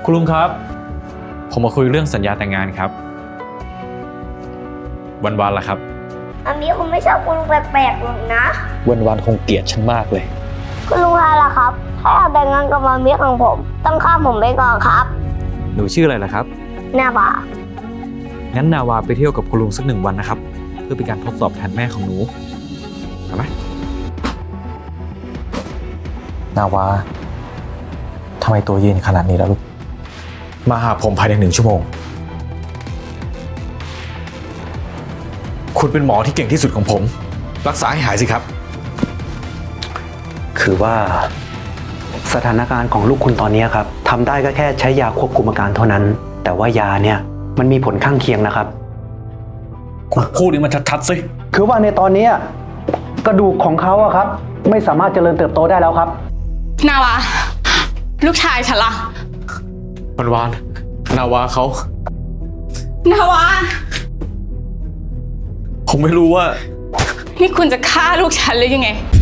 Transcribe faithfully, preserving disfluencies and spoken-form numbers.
คุณลุงครับผมมาคุยเรื่องสัญญาแต่งงานครับวันวานล่ะครับอันนี้คุณไม่ชอบคุณลุงแปลกๆหรอกนะวันวานคงเกลียดฉันมากเลยคุณลุงฮาล่ะครับถ้าอยากแต่งงานกับมามิของผมต้องข้ามผมไปก่อนครับหนูชื่ออะไรล่ะครับนาบางั้นนาวาไปเที่ยวกับคุณลุงสักหนึ่งวันนะครับเพื่อเป็นการทดสอบแทนแม่ของหนูเอาไหมนาวาทำไมตัวเย็นขนาดนี้แล้วลูกมาหาผมภายในหนึ่งชั่วโมงคุณเป็นหมอที่เก่งที่สุดของผมรักษาให้หายสิครับคือว่าสถานการณ์ของลูกคุณตอนนี้ครับทำได้ก็แค่ใช้ยาควบคุมอาการเท่านั้นแต่ว่ายาเนี่ยมันมีผลข้างเคียงนะครับคุณพูดให้มันชัดๆสิคือว่าในตอนนี้กระดูกของเขาอะครับไม่สามารถเจริญเติบโตได้แล้วครับนาวาลูกชายฉันล่ะวันวานนาวาเขานาวาผมไม่รู้ว่านี่คุณจะฆ่าลูกฉันหรือยังไง